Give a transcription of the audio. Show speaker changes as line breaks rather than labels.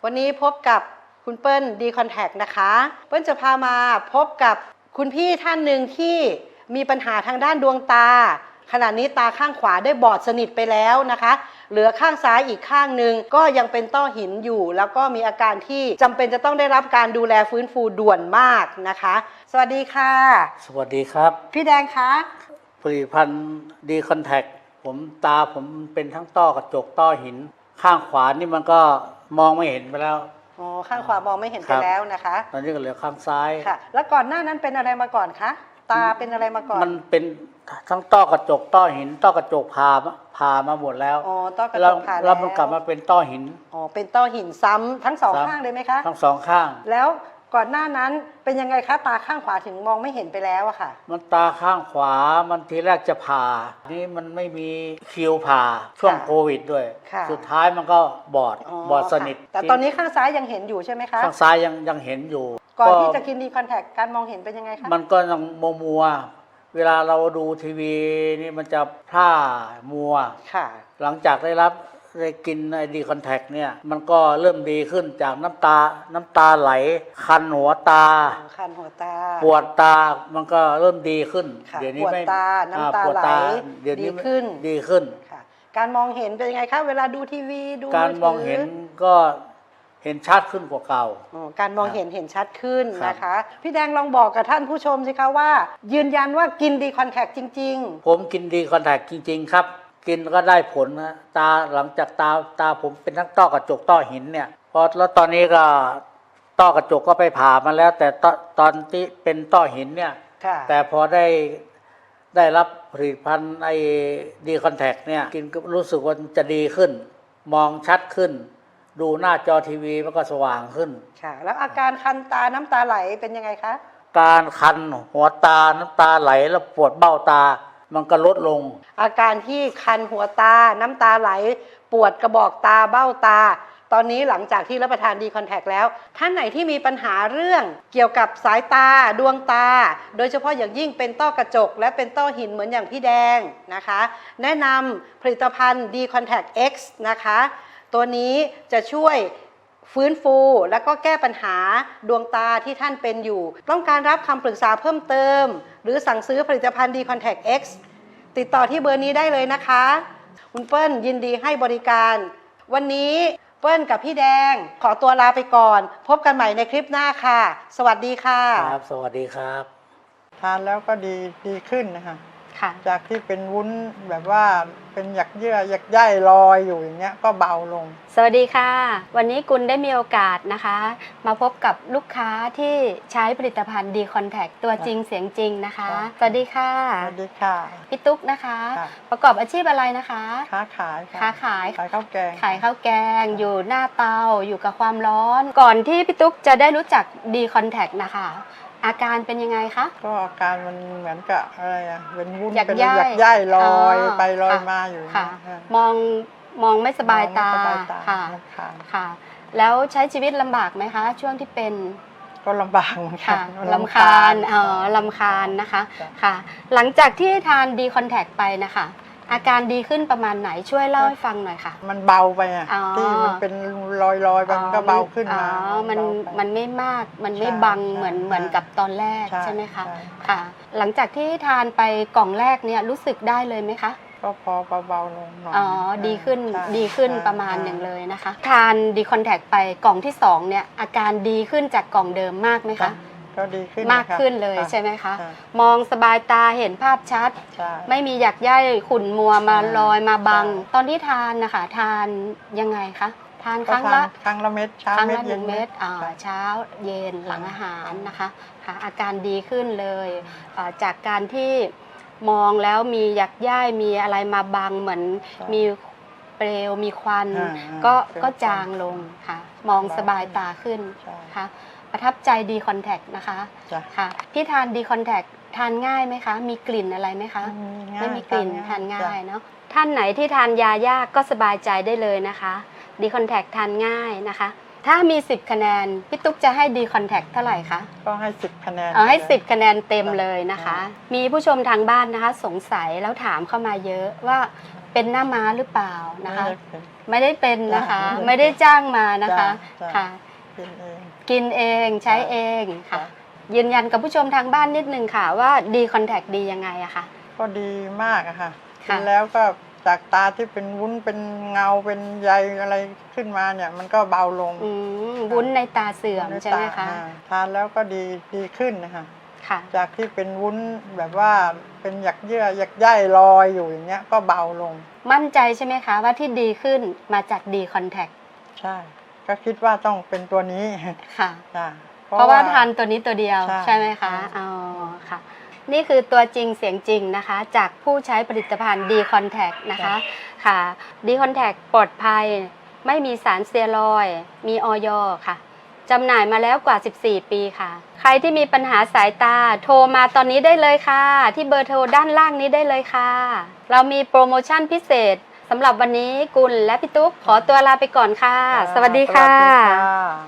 วันนี้พบกับคุณเปิ้ลดีคอนแทคนะคะเปิ้ลจะพามาพบกับคุณพี่ท่านหนึ่งที่มีปัญหาทางด้านดวงตาขณะนี้ตาข้างขวาได้บอดสนิทไปแล้วนะคะเหลือข้างซ้ายอีกข้างหนึ่งก็ยังเป็นต้อหินอยู่แล้วก็มีอาการที่จำเป็นจะต้องได้รับการดูแลฟื้นฟูด่วนมากนะคะสวัสดีค่ะ
สวัสดีครับ
พี่แดงคะ
ผลิตภัณฑ์ดีคอนแทคผมเป็นทั้งต้อกระจกต้อหินข้างขวานี่มันก็มองไม่เห็นไปแล้ว
อ๋อข้างขวามองไม่เห็นไปแล้วนะคะ
ตอนนี้ก็เหลือข้างซ้าย
ค่ะแล้วก่อนหน้านั้นเป็นอะไรมาก่อนคะตาเป็นอะไรมาก่อน
มันเป็นทั้งต้อกระจกต้อหินต้อกระจกผ่ามาหมดแล้ว
อ๋อต้อกระจกผ่า
แล้วมันกลับมาเป็นต้อหิน
อ๋อเป็นต้อหินซ้ำทั้งสองข้างเลยไหมคะ
ทั้งสองข้าง
แล้วก่อนหน้านั้นเป็นยังไงคะตาข้างขวาถึงมองไม่เห็นไปแล้วอะค่ะ
มันตาข้างขวามันทีแรกจะผ่านี่มันไม่มีคิวผ่าช่วงโควิดด้วยสุดท้ายมันก็บอดสนิท
แต่ตอนนี้ข้างซ้ายยังเห็นอยู่ใช่ไหมคะ
ข้างซ้ายยังเห็นอยู่
ก่อนที่จะกินดีคอนแทคการมองเห็นเป็นยังไงคะ
มันก็ยังมัวเวลาเราดูทีวีนี่มันจะพร่ามัวหลังจากได้กินไอดีคอนแทคเนี่ยมันก็เริ่มดีขึ้นจากน้ำตาไหลคันหัวตาปวดตามันก็เริ่มดีขึ้น
เดี๋ยวนี้ไม่ปวดตาน้ำตาไหลดี
ขึ้น
การมองเห็นเป็นยังไงคะเวลาดูทีวีดู
การมองเห็นก็เห็นชัดขึ้นกว่าเก่า
การมองเห็นชัดขึ้นนะคะพี่แดงลองบอกกับท่านผู้ชมสิคะว่ายืนยันว่ากินดีคอนแทคจริง
ๆผมกินดีคอนแทคจริงๆครับกินก็ได้ผลนะหลังจากตาผมเป็นทั้งต้อกระจกต้อหินเนี่ยแล้วตอนนี้ก็ต้อกระจกก็ไปผ่ามาแล้วแต่ตอนที่เป็นต้อหินเนี่ยแต่พอได้รับผลิตภัณฑ์ไอ้ดีคอนแทคเนี่ยกินก็รู้สึกว่าจะดีขึ้นมองชัดขึ้นดูหน้าจอทีวีมันก็สว่างขึ้น
ค่ะแล้วอาการคันตาน้ำตาไหลเป็นยังไงคะ
การคันหัวตาน้ำตาไหลแล้วปวดเบ้าตามันก็ลดลง
อาการที่คันหัวตาน้ำตาไหลปวดกระบอกตาเบ้าตาตอนนี้หลังจากที่รับประทานดีคอนแทคแล้วท่านไหนที่มีปัญหาเรื่องเกี่ยวกับสายตาดวงตาโดยเฉพาะอย่างยิ่งเป็นต้อกระจกและเป็นต้อหินเหมือนอย่างพี่แดงนะคะแนะนำผลิตภัณฑ์ดีคอนแทค X นะคะตัวนี้จะช่วยฟื้นฟูและก็แก้ปัญหาดวงตาที่ท่านเป็นอยู่ต้องการรับคำปรึกษาเพิ่มเติมหรือสั่งซื้อผลิตภัณฑ์ดีคอนแทค X ติดต่อที่เบอร์นี้ได้เลยนะคะคุณเปิ้ลยินดีให้บริการวันนี้เปิ้ลกับพี่แดงขอตัวลาไปก่อนพบกันใหม่ในคลิปหน้าค่ะสวัสดีค่ะ
ครับสวัสดีครับ
ทานแล้วก็ดีขึ้นนะคะจากที่เป็นวุ้นแบบว่าเป็นหยักเยื่อหยักใยลอยอยู่อย่างเงี้ยก็เบาลง
สวัสดีค่ะวันนี้กุลได้มีโอกาสนะคะมาพบกับลูกค้าที่ใช้ผลิตภัณฑ์ดีคอนแทคตัวจริงเสียงจริงนะคะสวัสดีค่ะ
สวัสดีค่ะ
พี่ตุ๊กนะคะประกอบอาชีพอะไรนะคะ
ค้าขายข้าวแกง
ขายข้าวแกงอยู่หน้าเตาอยู่กับความร้อนก่อนที่พี่ตุ๊กจะได้รู้จักดีคอนแทคนะคะอาการเป็นยังไงคะ
ก็อาการมันเหมือนกับอะไรอะเป็นวุ้นเป็นหยักใยลอยไปลอยมาอยู่
ค่ะมองไม่สบายตาค่ะค่ะแล้วใช้ชีวิตลำบากไหมคะช่วงที่เป็น
ก็ลำบากเหมือนกัน
ลำคาญลำคาญนะคะค่ะหลังจากที่ทานดีคอนแทคไปนะคะอาการดีขึ้นประมาณไหนช่วยเล่าให้ฟังหน่อยค่ะ
มันเบาไปอ่ะที่มันเป็นลอยไปมันก็เบาขึ้นมา
มันไม่มากมันไม่บังเหมือนกับตอนแรกใช่ไหมคะค่ะหลังจากที่ทานไปกล่องแรกเนี่ยรู้สึกได้เลยไหมคะ
ก็พอเบาลงหน่อย
ดีขึ้นประมาณหนึ่งเลยนะคะทานดีคอนแทคไปกล่องที่2เนี่ยอาการดีขึ้นจากกล่องเดิมมากไหมคะ
ก็ดีขึ้น
มากขึ้นเลยใช่ไหมคะมองสบายตาเห็นภาพชัดไม่มีหยักใยขุ่นมัวมาลอยมาบังตอนที่ทานนะคะทานยังไงคะทานครั้ง
ละเม็ดเช้าเม็ดเย็น
เม็ดเช้าเย็นหลังอาหารนะคะค่ะอาการดีขึ้นเลยจากการที่มองแล้วมีหยักใยมีอะไรมาบังเหมือนมีเปลวมีควันก็จางลงค่ะมองสบายตาขึ้นค่ะประทับใจดีคอนแทคนะคะค่ะพี่ทานดีคอนแทคทานง่ายไหมคะมีกลิ่นอะไรไหมคะไม่มีกลิ่นทานง่ายเนาะท่านไหนที่ทานยายากก็สบายใจได้เลยนะคะดีคอนแทคทานง่ายนะคะถ้ามี10คะแนนพี่ตุ๊กจะให้ดีคอนแทคเท่าไหร่คะ
ก็ให้10คะแนน
ให้10คะแนนเต็มเลยนะคะมีผู้ชมทางบ้านนะคะสงสัยแล้วถามเข้ามาเยอะว่าเป็นหน้าม้าหรือเปล่านะคะ
ไม่ได้เป็น
ไม่ได้เป็นนะคะ
จ้ะ
ไม่ได้จ้างมานะคะ
จ้ะ
ค่ะ
กินเอง
กินเองใช้เองค่ะ
จ้ะ
ยืนยันกับผู้ชมทางบ้านนิดนึงค่ะว่าดีคอนแทคดียังไงอะค่ะ
ก็ดีมากอะค่ะกิ
ค่ะ
นแล้วก็จากตาที่เป็นวุ้นเป็นเงาเป็นใยอะไรขึ้นมาเนี่ย มันก็เบาลง
วุ้นในตาเสื่อมใช่ไหมคะ
ทานแล้วก็ดีขึ้นนะคะ
ค่ะ
จากที่เป็นวุ้นแบบว่าเป็นหยักเยื่อหยักใยลอยอยู่อย่างเงี้ยก็เบาลง
มั่นใจใช่ไหมคะว่าที่ดีขึ้นมาจากดีคอนแทค
ใช่ ก็คิดว่าต้องเป็นตัวนี้
ค่ะ
จ้ะ
เพราะว่าทานตัวนี้ตัวเดียว
ใช่
ใช่ไหมคะ
ใช่
อ๋อค่ะ นี่คือตัวจริงเสียงจริงนะคะ จากผู้ใช้ผลิตภัณฑ์ดีคอนแทคนะคะค่ะดีคอนแทคปลอดภัยไม่มีสารสเตียรอยด์มีออยค่ะจำหน่ายมาแล้วกว่า 14 ปีค่ะ ใครที่มีปัญหาสายตาโทรมาตอนนี้ได้เลยค่ะ ที่เบอร์โทรด้านล่างนี้ได้เลยค่ะ เรามีโปรโมชั่นพิเศษสำหรับวันนี้กุลและพี่ตุ๊กขอตัวลาไปก่อนค่ะ สวัสดีค่ะ
สวัสดีค่ะ